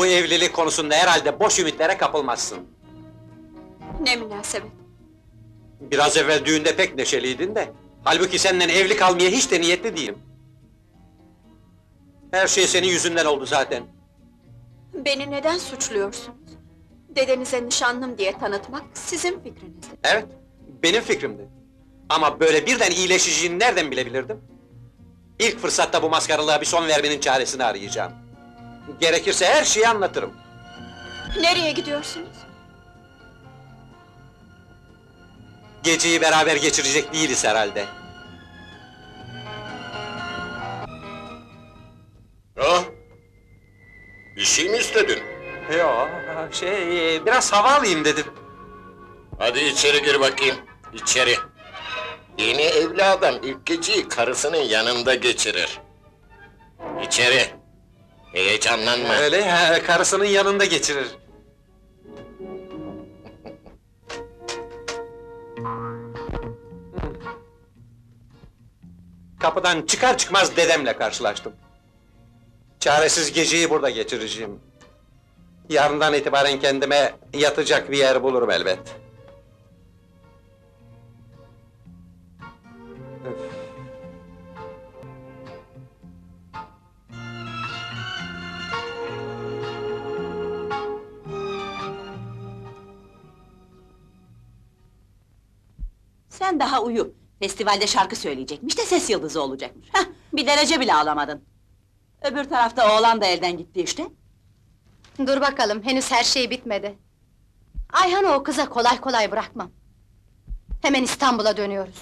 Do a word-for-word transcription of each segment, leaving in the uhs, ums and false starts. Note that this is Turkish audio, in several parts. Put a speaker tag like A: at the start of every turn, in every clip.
A: Bu evlilik konusunda herhalde boş ümitlere kapılmazsın.
B: Ne münasebet!
A: Biraz evvel düğünde pek neşeliydin de. Halbuki senden evli kalmaya hiç de niyetli değilim. Her şey senin yüzünden oldu zaten.
B: Beni neden suçluyorsunuz? Dedenize nişanlım diye tanıtmak sizin fikriniz.
A: Evet, benim fikrimdi. Ama böyle birden iyileşeceğini nereden bilebilirdim? İlk fırsatta bu maskaralığa bir son vermenin çaresini arayacağım. Gerekirse her şeyi anlatırım.
B: Nereye gidiyorsunuz?
A: Geceyi beraber geçirecek değiliz herhalde.
C: Ha? Bir şey mi istedin?
A: Yo, şey, biraz hava alayım dedim.
C: Hadi içeri gir bakayım, içeri. Yeni evli adam ilk geceyi karısının yanında geçirir. İçeri. Heyecanlanma.
A: Öyle ya, karısının yanında geçirir. Kapıdan çıkar çıkmaz dedemle karşılaştım. Çaresiz geceyi burada geçireceğim. Yarından itibaren kendime yatacak bir yer bulurum elbet. Öf.
D: Sen daha uyu. Festivalde şarkı söyleyecekmiş de ses yıldızı olacakmış. Hah, bir derece bile alamadın. Öbür tarafta oğlan da elden gitti işte.
E: Dur bakalım, henüz her şey bitmedi. Ayhan'ı o kıza kolay kolay bırakmam. Hemen İstanbul'a dönüyoruz.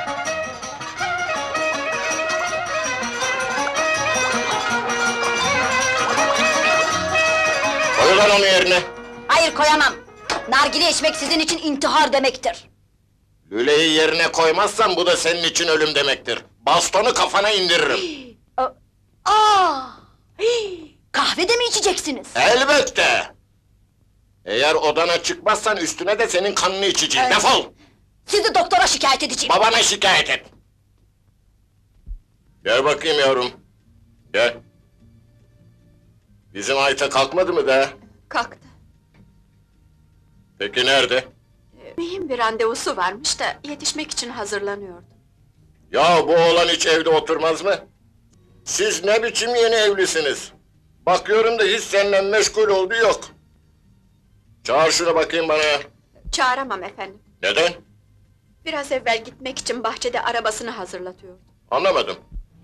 C: Koy lan onu yerine.
E: Hayır, koyamam! Nargile içmek sizin için intihar demektir.
C: Lüleyi yerine koymazsan bu da senin için ölüm demektir. Bastonu kafana indiririm.
E: Aa! Hii! Kahve de mi içeceksiniz?
C: Elbette! Eğer odana çıkmazsan üstüne de senin kanını içeceğim.
E: Evet.
C: Defol!
E: Sizi doktora şikayet edeceğim.
C: Babana şikayet et! Gel bakayım yavrum. Gel. Bizim Ayta kalkmadı mı daha?
B: Kalktı.
C: Peki nerede?
B: Ee, Mühim bir randevusu varmış da yetişmek için hazırlanıyordu.
C: Ya bu oğlan hiç evde oturmaz mı? Siz ne biçim yeni evlisiniz? Bakıyorum da hiç seninle meşgul olduğu yok. Çağır şunu bakayım bana.
B: Çağıramam efendim.
C: Neden?
B: Biraz evvel gitmek için bahçede arabasını hazırlatıyordu.
C: Anlamadım.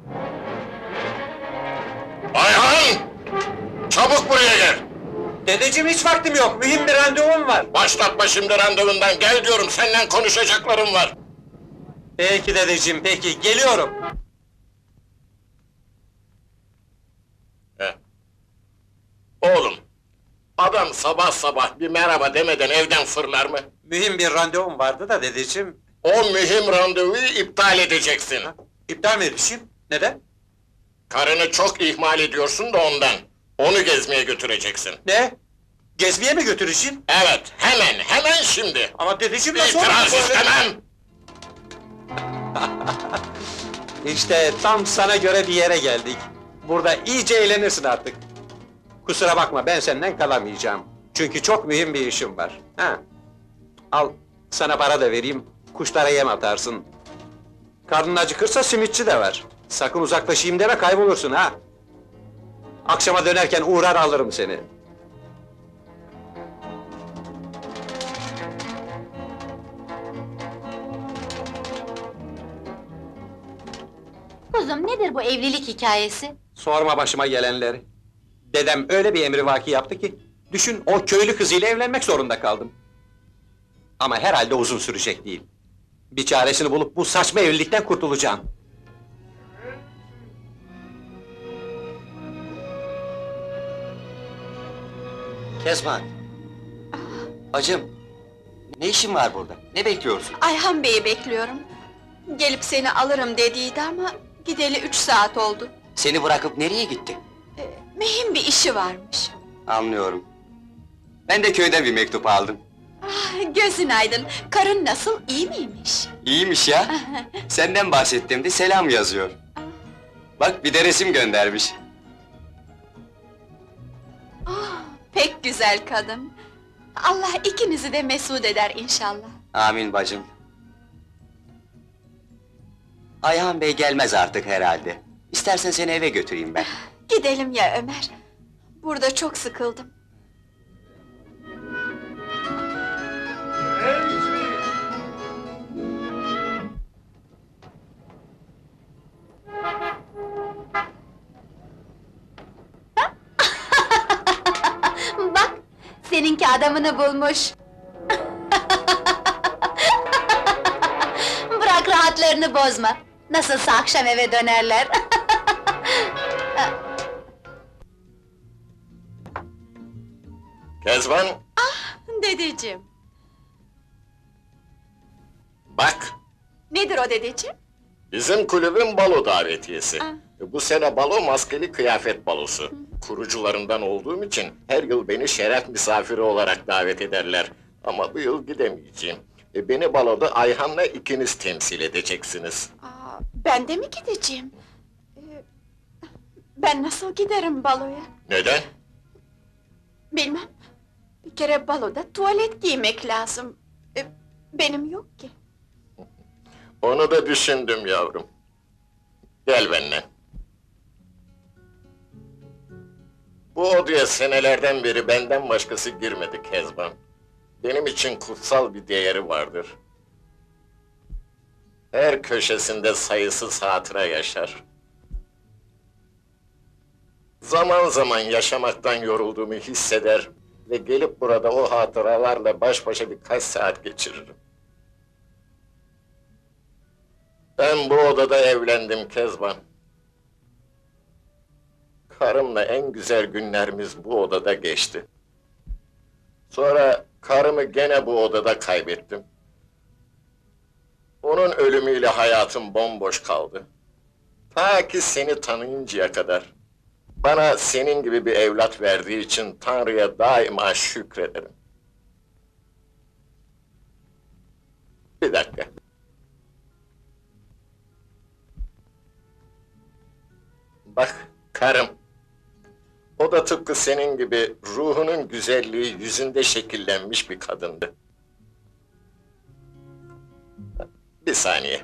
C: Ayhan! Çabuk buraya gel!
A: Dedeciğim hiç vaktim yok, mühim bir randevum var.
C: Başlatma şimdi randevundan, gel diyorum, seninle konuşacaklarım var.
A: Peki dedeciğim, peki, geliyorum.
C: He. Oğlum, adam sabah sabah bir merhaba demeden evden fırlar mı?
A: Mühim bir randevum vardı da dedeciğim.
C: O mühim randevuyu iptal edeceksin.
A: İptal mi edeceğim? Neden?
C: Karını çok ihmal ediyorsun da ondan. Onu gezmeye götüreceksin.
A: Ne? Gezmeye mi götüreceğim?
C: Evet, hemen, hemen şimdi!
A: Ama dedeciğim nasıl olur
C: İtiraz
A: böyle?
C: istemem!
A: İşte tam sana göre bir yere geldik. Burada iyice eğlenirsin artık. Kusura bakma, ben senden kalamayacağım. Çünkü çok mühim bir işim var. Ha. Al, sana para da vereyim, kuşlara yem atarsın. Karnın acıkırsa simitçi de var. Sakın uzaklaşayım deme, kaybolursun ha! Akşama dönerken uğrar alırım seni.
E: Kuzum, nedir bu evlilik hikayesi?
A: Sorma başıma gelenleri. Dedem öyle bir emrivaki yaptı ki, düşün o köylü kızıyla evlenmek zorunda kaldım. Ama herhalde uzun sürecek değil. Bir çaresini bulup bu saçma evlilikten kurtulacağım.
F: Kezban! Bacım! Ne işin var burada? Ne bekliyorsun?
B: Ayhan Bey'i bekliyorum. Gelip seni alırım dediydi ama gideli üç saat oldu.
F: Seni bırakıp nereye gitti?
B: Ee, mühim bir işi varmış.
F: Anlıyorum. Ben de köyden bir mektup aldım.
B: Ah, gözün aydın. Karın nasıl, iyi miymiş?
F: İyiymiş ya! Senden bahsettiğimde selam yazıyor. Bak bir de resim göndermiş.
B: Ah, Pek güzel kadın. Allah ikinizi de mesut eder inşallah.
F: Amin bacım. Ayhan Bey gelmez artık herhalde. İstersen seni eve götüreyim ben.
B: Gidelim ya Ömer. Burada çok sıkıldım.
E: Bak, seninki adamını bulmuş. Bırak rahatlarını bozma. Nasılsa akşam eve dönerler.
C: Kezban,
B: Dedeciğim.
C: bak!
B: Nedir o dedeciğim?
C: Bizim kulübün balo davetiyesi.
B: Ah.
C: Bu sene balo maskeli kıyafet balosu. Kurucularından olduğum için her yıl beni şeref misafiri olarak davet ederler. Ama bu yıl gidemeyeceğim. E, Beni baloda Ayhan'la ikiniz temsil edeceksiniz.
B: Aa, ben de mi gideceğim? Ee, ben nasıl giderim baloya?
C: Neden?
B: Bilmem. Bir kere baloda tuvalet giymek lazım. Ee, benim yok ki.
C: Onu da düşündüm yavrum. Gel benimle. Bu odaya senelerden beri benden başkası girmedi Kezban. Benim için kutsal bir değeri vardır. Her köşesinde sayısız hatıra yaşar. Zaman zaman yaşamaktan yorulduğumu hisseder ve gelip burada o hatıralarla baş başa birkaç saat geçiririm. Ben bu odada evlendim Kezban. Karımla en güzel günlerimiz bu odada geçti. Sonra karımı gene bu odada kaybettim. Onun ölümüyle hayatım bomboş kaldı. Ta ki seni tanıyıncaya kadar. Bana senin gibi bir evlat verdiği için Tanrı'ya daima şükrederim. Bir dakika. Bak, karım. O da tıpkı senin gibi ruhunun güzelliği yüzünde şekillenmiş bir kadındı. Bir saniye.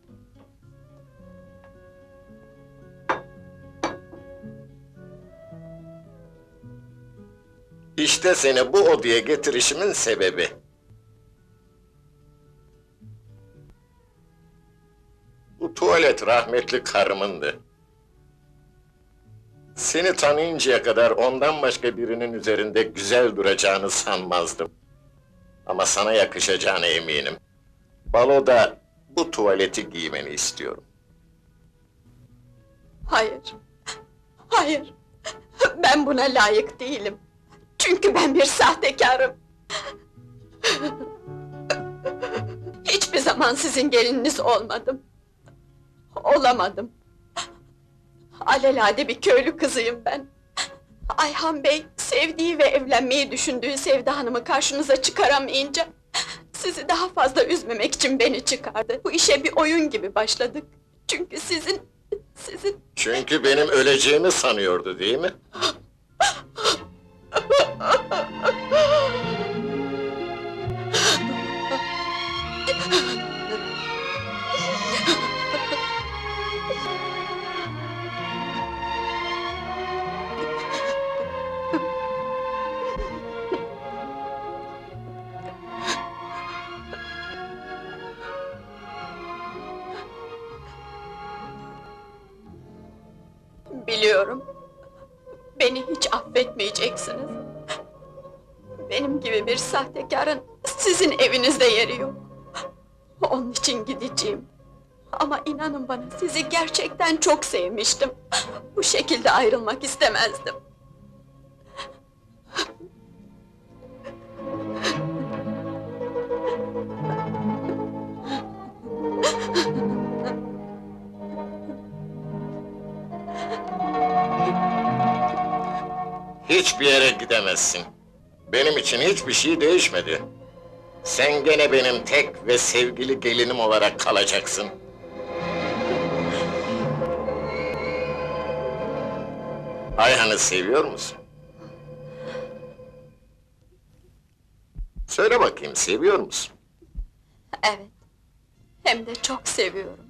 C: İşte seni bu odaya getirişimin sebebi. Bu tuvalet rahmetli karımındı. Seni tanıyıncaya kadar ondan başka birinin üzerinde güzel duracağını sanmazdım. Ama sana yakışacağına eminim. Baloda bu tuvaleti giymeni istiyorum.
B: Hayır. Hayır. Ben buna layık değilim. Çünkü ben bir sahtekarım. Hiçbir zaman sizin gelininiz olmadım. Olamadım. Alelade bir köylü kızıyım ben. Ayhan Bey, sevdiği ve evlenmeyi düşündüğü Sevda Hanım'ı karşınıza çıkaramayınca... ...sizi daha fazla üzmemek için beni çıkardı. Bu işe bir oyun gibi başladık. Çünkü sizin... sizin...
C: Çünkü benim öleceğimi sanıyordu, değil mi?
B: Biliyorum. Beni hiç affetmeyeceksiniz. Benim gibi bir sahtekarın sizin evinizde yeri yok. Onun için gideceğim. Ama inanın bana, sizi gerçekten çok sevmiştim. Bu şekilde ayrılmak istemezdim.
C: Hiçbir yere gidemezsin. Benim için hiçbir şey değişmedi. Sen gene benim tek ve sevgili gelinim olarak kalacaksın. Ayhan'ı seviyor musun? sorayım, seviyor musun?
B: Evet, hem de çok seviyorum.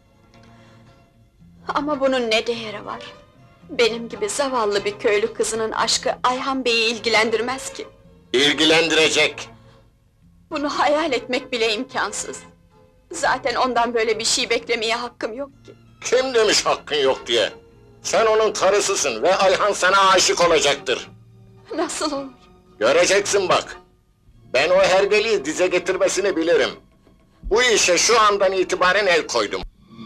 B: Ama bunun ne değeri var? Benim gibi zavallı bir köylü kızının aşkı Ayhan Bey'i ilgilendirmez ki.
C: İlgilendirecek.
B: Bunu hayal etmek bile imkansız. Zaten ondan böyle bir şey beklemeye hakkım yok ki.
C: Kim demiş hakkın yok diye? Sen onun karısısın ve Ayhan sana aşık olacaktır.
B: Nasıl olur?
C: Göreceksin bak. Ben o hergeliği dize getirmesini bilirim. Bu işe şu andan itibaren el koydum.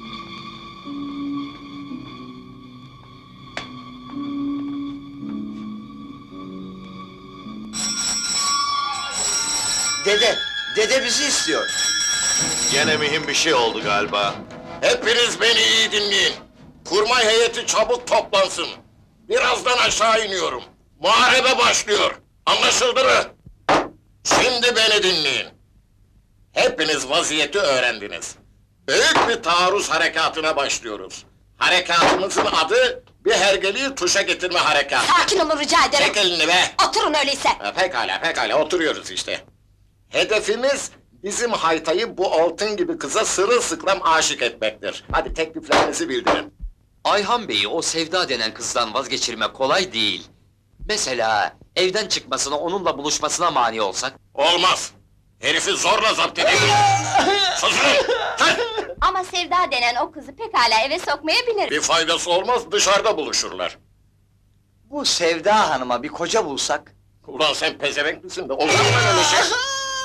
F: Dede, dede bizi istiyor.
G: Gene mühim bir şey oldu galiba.
C: Hepiniz beni iyi dinleyin. Kurmay heyeti çabuk toplansın. Birazdan aşağı iniyorum. Muharebe başlıyor. Anlaşıldı mı? Şimdi beni dinleyin. Hepiniz vaziyeti öğrendiniz. Büyük bir taarruz harekatına başlıyoruz. Harekatımızın adı bir hergeliği tuşa getirme harekatı.
E: Sakin olun rica ederim.
C: Çek elini be!
E: Oturun öyleyse.
C: Ha, pekala, pekala, oturuyoruz işte. Hedefimiz, bizim Haytay'ı bu altın gibi kıza sırılsıklam aşık etmektir. Hadi tekliflerinizi bildirin.
H: Ayhan Bey'i o Sevda denen kızdan vazgeçirmek kolay değil. Mesela evden çıkmasına, onunla buluşmasına mani olsak?
C: Olmaz! Herifi zorla zapt edelim! Susun! Sen!
E: Ama Sevda denen o kızı pekala eve sokmayabilir.
C: Bir faydası olmaz, dışarıda buluşurlar.
F: Bu Sevda Hanım'a bir koca bulsak.
C: Ulan sen pezevenk misin de olur mu öyle şey? Susun!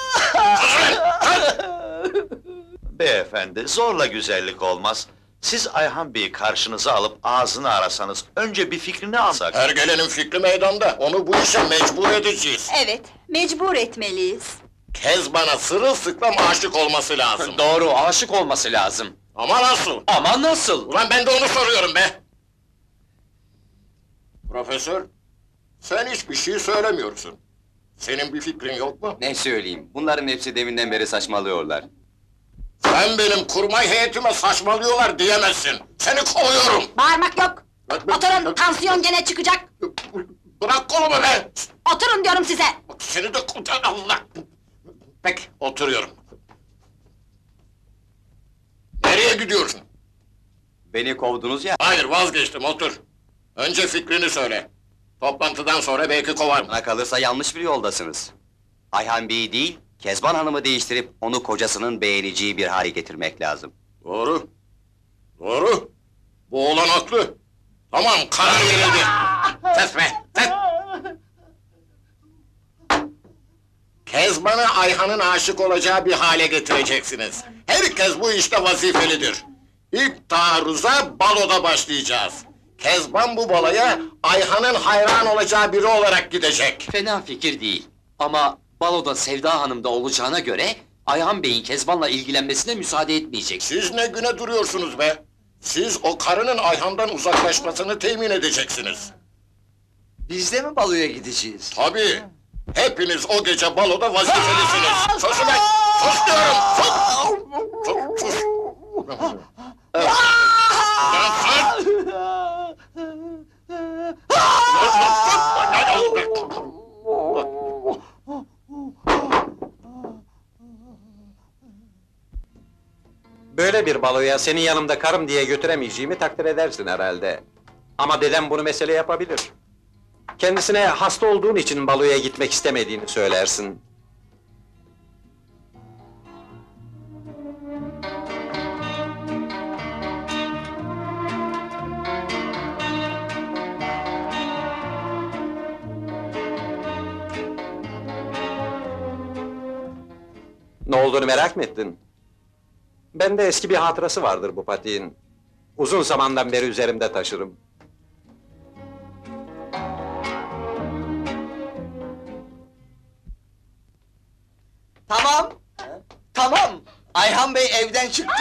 G: Beyefendi, zorla güzellik olmaz. Siz Ayhan Bey'i karşınıza alıp ağzını arasanız, önce bir fikrini alsak.
C: Hergelenin fikri meydanda, onu bu işe mecbur edeceğiz.
D: Evet, mecbur etmeliyiz.
C: Kezban'a sırılsıklam aşık olması lazım.
H: Doğru, aşık olması lazım.
C: Ama nasıl?
H: Ama nasıl?
C: Ulan ben de onu soruyorum be! Profesör, sen hiçbir şey söylemiyorsun. Senin bir fikrin yok mu?
F: Ne söyleyeyim, bunların hepsi deminden beri saçmalıyorlar.
C: Sen benim kurmay heyetime saçmalıyorlar diyemezsin. Seni kovuyorum!
E: Bağırmak yok. Oturun, tansiyon gene çıkacak.
C: Bırak kolumu be!
E: Oturun diyorum size.
C: Bak seni de kurtar Allah! Peki, oturuyorum. Nereye gidiyorsun?
F: Beni kovdunuz ya.
C: Hayır, vazgeçtim, otur. Önce fikrini söyle. Toplantıdan sonra belki kovarım.
F: Bana kalırsa yanlış bir yoldasınız. Ayhan Bey'i değil, Kezban Hanım'ı değiştirip onu kocasının beğeneceği bir hale getirmek lazım.
C: Doğru. Doğru. Bu oğlan haklı. Tamam, karar verildi. Ses be, ses! Kezban'ı Ayhan'ın aşık olacağı bir hale getireceksiniz. Herkes bu işte vazifelidir. İlk taarruza baloda başlayacağız. Kezban bu balaya Ayhan'ın hayran olacağı biri olarak gidecek.
H: Fena fikir değil. Ama baloda Sevda Hanım da olacağına göre... ...Ayhan Bey'in Kezban'la ilgilenmesine müsaade etmeyecek.
C: Siz ne güne duruyorsunuz be? Siz o karının Ayhan'dan uzaklaşmasını temin edeceksiniz.
F: Biz de mi baloya gideceğiz?
C: Tabii. Hepiniz o gece baloda vazifelisiniz. Susun be! Sus diyorum! Sus! Sus! Sus! Lan sus!
A: Böyle bir baloya senin yanımda karım diye götüremeyeceğimi takdir edersin herhalde. Ama dedem bunu mesele yapabilir. Kendisine hasta olduğun için baloya gitmek istemediğini söylersin. Ne olduğunu merak mı ettin? Bende eski bir hatırası vardır bu patiğin. Uzun zamandan beri üzerimde taşırım.
F: Tamam! Tamam! Ayhan Bey evden çıktı!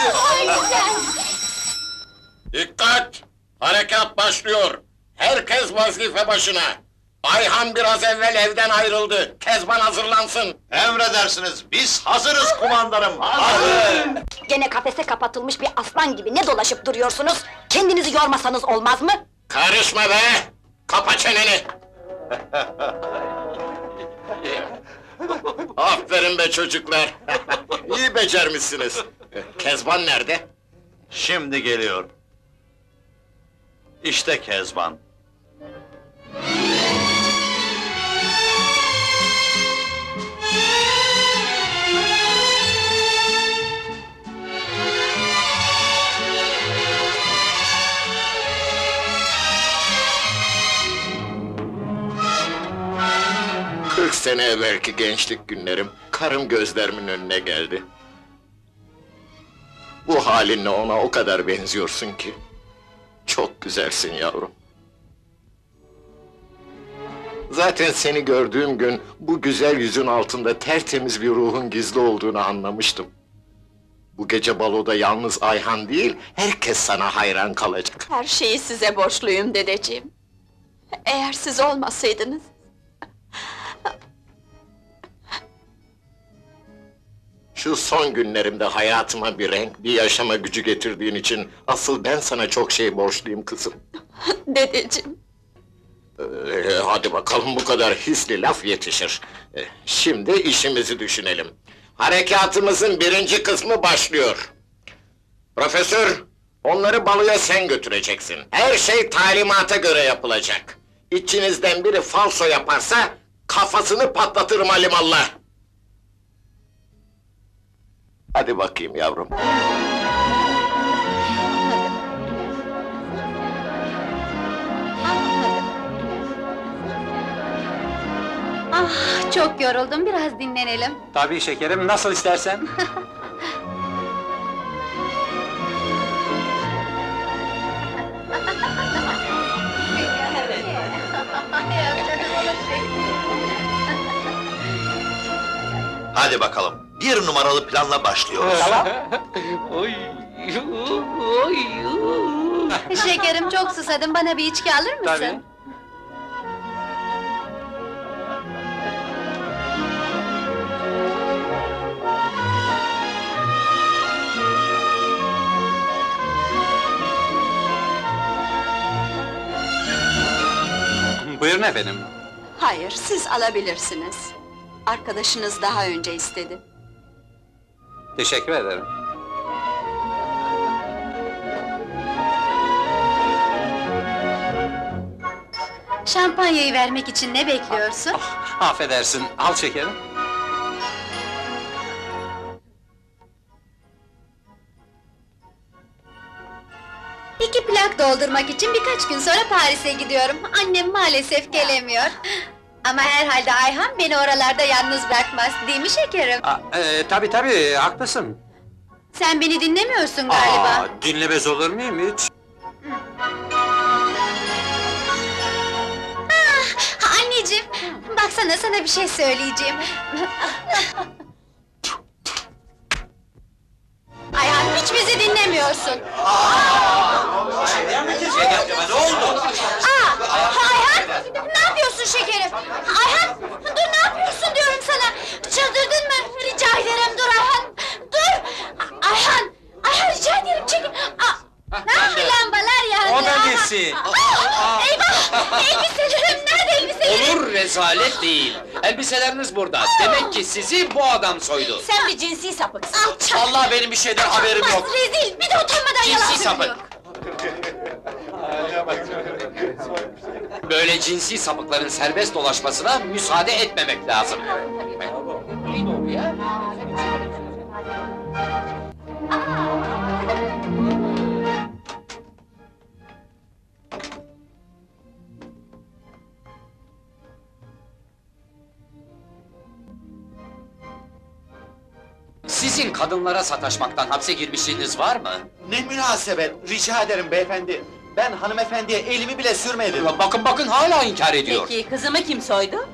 C: Dikkat! Harekat başlıyor. Herkes vazife başına. Ayhan biraz evvel evden ayrıldı. Kezban hazırlansın.
G: Emredersiniz, biz hazırız kumandanım, hazır!
E: Gene kafese kapatılmış bir aslan gibi ne dolaşıp duruyorsunuz? Kendinizi yormasanız olmaz mı?
C: Karışma be! Kapa çeneni! Aferin be çocuklar! İyi becermişsiniz! Kezban nerede?
G: Şimdi geliyor. İşte Kezban.
C: Kırk sene evvelki gençlik günlerim, karım gözlerimin önüne geldi. Bu halinle ona o kadar benziyorsun ki. Çok güzelsin yavrum. Zaten seni gördüğüm gün, bu güzel yüzün altında tertemiz bir ruhun gizli olduğunu anlamıştım. Bu gece baloda yalnız Ayhan değil, herkes sana hayran kalacak.
B: Her şeyi size borçluyum dedeciğim. Eğer siz olmasaydınız...
C: Şu son günlerimde hayatıma bir renk, bir yaşama gücü getirdiğin için... ...asıl ben sana çok şey borçluyum kızım.
B: Dedeciğim,
C: Ee, hadi bakalım, bu kadar hisli laf yetişir. Ee, şimdi işimizi düşünelim. Harekatımızın birinci kısmı başlıyor. Profesör, onları baloya sen götüreceksin. Her şey talimata göre yapılacak. İçinizden biri falso yaparsa... ...kafasını patlatırım alimallah. Hadi bakayım yavrum.
E: Ah, çok yoruldum, biraz dinlenelim.
A: Tabii şekerim, nasıl istersen.
G: Hadi bakalım, bir numaralı planla başlıyoruz.
A: Tamam.
E: Şekerim, çok susadım, bana bir içki alır mısın?
A: Tabii. Buyurun efendim.
B: hayır, siz alabilirsiniz. Arkadaşınız daha önce istedi.
A: Teşekkür ederim.
E: Şampanyayı vermek için ne bekliyorsun?
A: Affedersin, al şekerim.
E: İki plak doldurmak için birkaç gün sonra Paris'e gidiyorum. Annem maalesef gelemiyor. Ama herhalde Ayhan beni oralarda yalnız bırakmaz, değil mi şekerim?
A: Aa, e, tabii tabii, haklısın.
E: Sen beni dinlemiyorsun galiba.
A: Aa, dinlemez olur muyum hiç?
E: Ah, anneciğim, baksana sana bir şey söyleyeceğim. Ayhan, hiç bizi dinlemiyorsun.
F: Ne oldu?
E: Aa, Ayhan, ne yapıyorsun şekerim? Ayhan, dur ne yapıyorsun diyorum sana. Çıldırdın mı? Rica ederim dur Ayhan. Dur! Ayhan, Ayhan rica ederim çekil. Aa, ah, lambalar yandı.
A: O da nesi?
E: Aa, eyvah! Elbiselerim nerede elbiselerim?
H: Olur, rezalet değil. Elbiseleriniz burada. Demek ki sizi bu adam soydu.
D: Sen bir cinsi sapıksın.
E: Alçak!
H: Vallahi benim bir şeyden haberim yok.
E: Rezil, bir de utanmadan yalan
H: Cinsi sapık.
E: söylüyor.
H: Böyle cinsi sapıkların serbest dolaşmasına müsaade etmemek lazım. Ne doğru ya? Sizin kadınlara sataşmaktan hapse girmişliğiniz var mı?
I: Ne münasebet, rica ederim beyefendi. Ben hanımefendiye elimi bile sürmedim.
H: Bakın bakın hala inkar ediyor.
D: Peki kızımı kim soydu?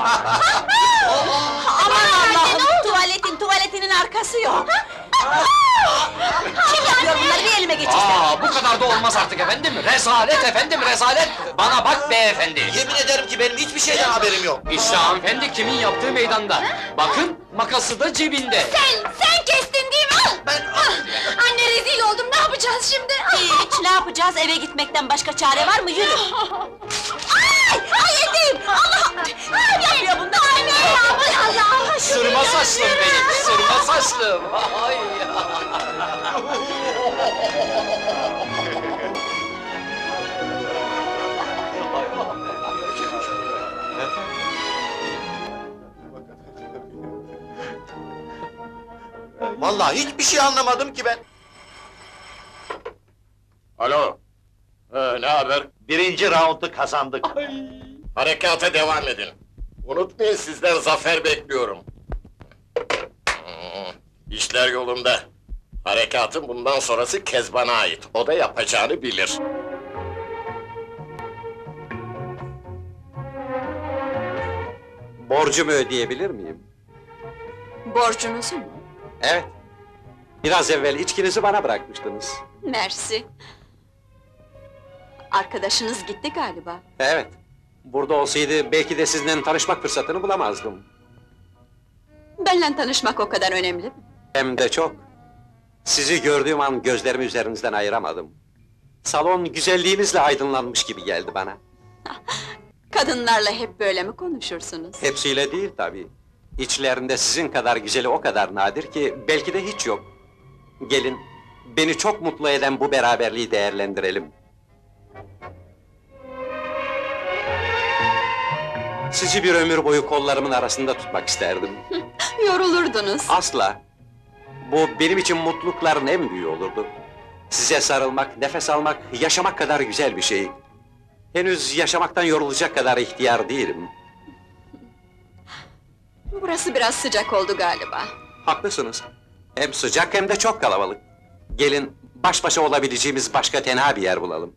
D: Aman Allah'ım! Tuvaletin tuvaletinin arkası yok! Kim yapıyor bunları, bir elime geçirsin!
H: Aa, bu kadar da olmaz artık efendim. Rezalet efendim, rezalet. Bana bak beyefendi.
I: Yemin ederim ki benim hiçbir şeyden haberim yok.
H: İşte hanımefendi kimin yaptığı meydanda. Bakın, makası da cebinde.
E: Sen, sen kestin değil mi? Al! Ah, anne rezil oldum, ne yapacağız şimdi?
D: Hiç, ne yapacağız? Eve gitmekten başka çare var mı? Yürü! Ay! Ay eteğim! Allah! Ne yapıyor bunlar? Anne! Aman Allah!
H: Sırma saçlım benim, sırma saçlım. Ay ya.
I: Vallahi hiçbir şey anlamadım ki ben.
C: Alo. Ha, ne haber?
G: Birinci raundu kazandık.
C: Harekata devam edin. Unutmayın sizden zafer bekliyorum. Hmm, İşler yolunda. Harekatın bundan sonrası Kezban'a ait. O da yapacağını bilir.
A: Borcumu ödeyebilir miyim?
B: Borcunuzu mu?
A: Evet. Biraz evvel içkinizi bana bırakmıştınız.
B: Mersi. Arkadaşınız gitti galiba.
A: Evet. Burada olsaydı belki de sizinle tanışmak fırsatını bulamazdım.
B: Benimle tanışmak o kadar önemli mi?
A: Hem de çok. Sizi gördüğüm an gözlerimi üzerinizden ayıramadım. Salon güzelliğinizle aydınlanmış gibi geldi bana.
B: Kadınlarla hep böyle mi konuşursunuz?
A: Hepsiyle değil tabii. İçlerinde sizin kadar güzeli o kadar nadir ki belki de hiç yok. Gelin, beni çok mutlu eden bu beraberliği değerlendirelim. Sizi bir ömür boyu kollarımın arasında tutmak isterdim.
B: Yorulurdunuz.
A: Asla! Bu benim için mutlulukların en büyüğü olurdu. Size sarılmak, nefes almak, yaşamak kadar güzel bir şey. Henüz yaşamaktan yorulacak kadar ihtiyar değilim.
B: Burası biraz sıcak oldu galiba.
A: Haklısınız. Hem sıcak hem de çok kalabalık. Gelin, baş başa olabileceğimiz başka tenha bir yer bulalım.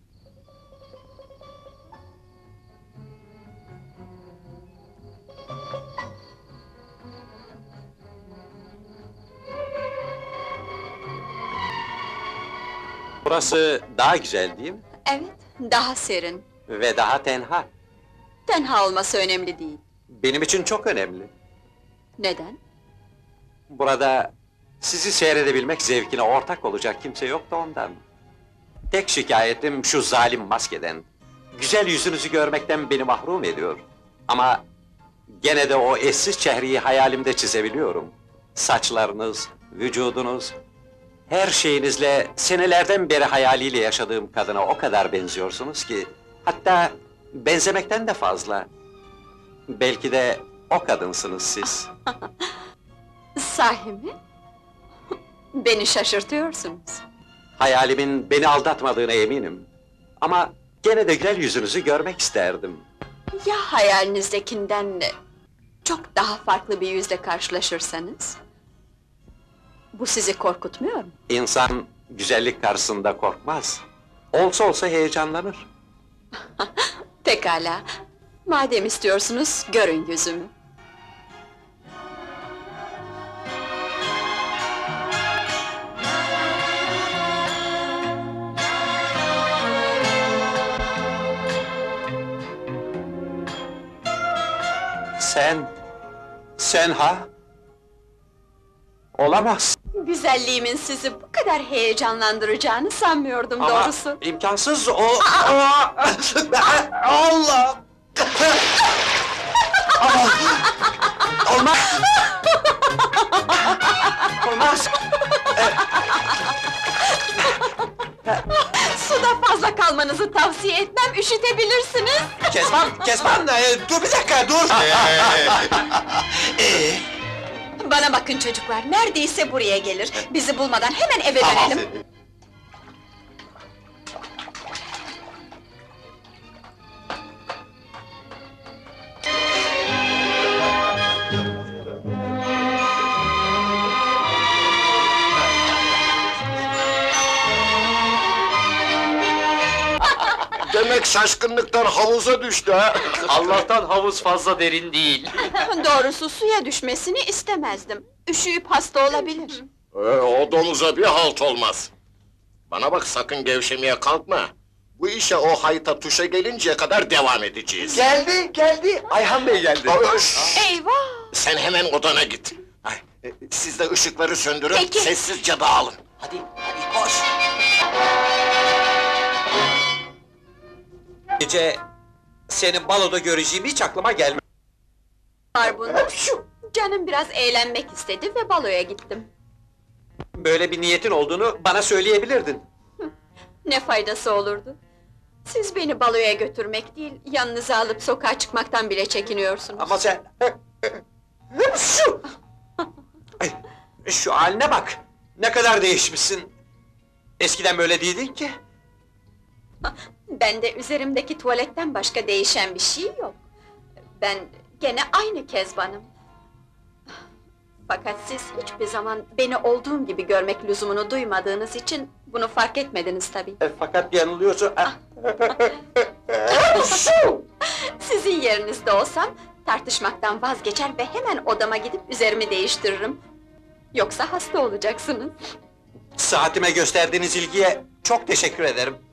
A: Burası daha güzel değil mi?
B: Evet, daha serin.
A: Ve daha tenha.
B: Tenha olması önemli değil.
A: Benim için çok önemli.
B: Neden?
A: Burada sizi seyredebilmek zevkine ortak olacak kimse yok da ondan. Tek şikayetim şu zalim maskeden. Güzel yüzünüzü görmekten beni mahrum ediyor. Ama gene de o eşsiz çehreyi hayalimde çizebiliyorum. Saçlarınız, vücudunuz, her şeyinizle senelerden beri hayaliyle yaşadığım kadına o kadar benziyorsunuz ki... Hatta benzemekten de fazla. Belki de o kadınsınız siz.
B: Sahi mi? Beni şaşırtıyorsunuz.
A: Hayalimin beni aldatmadığına eminim. Ama gene de güzel yüzünüzü görmek isterdim.
B: Ya hayalinizdekinden çok daha farklı bir yüzle karşılaşırsanız? Bu sizi korkutmuyor mu?
A: İnsan güzellik karşısında korkmaz. Olsa olsa heyecanlanır.
B: Pekala. Madem istiyorsunuz, görün yüzümü.
A: Sen... Sen ha? Olamaz.
B: Güzelliğimin sizi bu kadar heyecanlandıracağını sanmıyordum
A: Ama
B: doğrusu.
A: imkansız o... Aa! Allah! Ama... Olmaz! Olmaz!
B: Suda fazla kalmanızı tavsiye etmem, üşütebilirsiniz.
A: Kezban, Kezban! e, dur bir dakika, dur! Ee,
B: Bana bakın çocuklar, neredeyse buraya gelir. Bizi bulmadan hemen eve dönelim.
C: Demek şaşkınlıktan havuza düştü ha!
H: Allah'tan havuz fazla derin değil.
B: Doğrusu suya düşmesini istemezdim. Üşüyüp hasta olabilir.
C: Ee, o domuza bir halt olmaz. Bana bak, sakın gevşemeye kalkma. Bu işe o hayta tuşa gelinceye kadar devam edeceğiz.
I: Geldi, geldi. Ayhan Bey geldi.
C: Aa, şşş!
B: Eyvah!
C: Sen hemen odana git. Ay, e, siz de ışıkları söndürün,
B: Peki.
C: sessizce dağılın.
D: Hadi, hadi koş.
A: Gece seni baloda göreceğim hiç aklıma gelmedi.
B: Var bunda. Canım biraz eğlenmek istedi ve baloya gittim.
A: Böyle bir niyetin olduğunu bana söyleyebilirdin.
B: Ne faydası olurdu? Siz beni baloya götürmek değil, yanınıza alıp sokağa çıkmaktan bile çekiniyorsunuz.
A: Ama sen... Şu! Ay, şu haline bak! Ne kadar değişmişsin! Eskiden böyle değildin ki.
B: Bende üzerimdeki tuvaletten başka değişen bir şey yok. Ben gene aynı Kezban'ım. Fakat siz hiçbir zaman beni olduğum gibi görmek lüzumunu duymadığınız için bunu fark etmediniz tabii.
A: E, fakat yanılıyorsun.
B: Sizin yerinizde olsam tartışmaktan vazgeçer ve hemen odama gidip üzerimi değiştiririm. Yoksa hasta olacaksınız.
A: Saatime gösterdiğiniz ilgiye çok teşekkür ederim.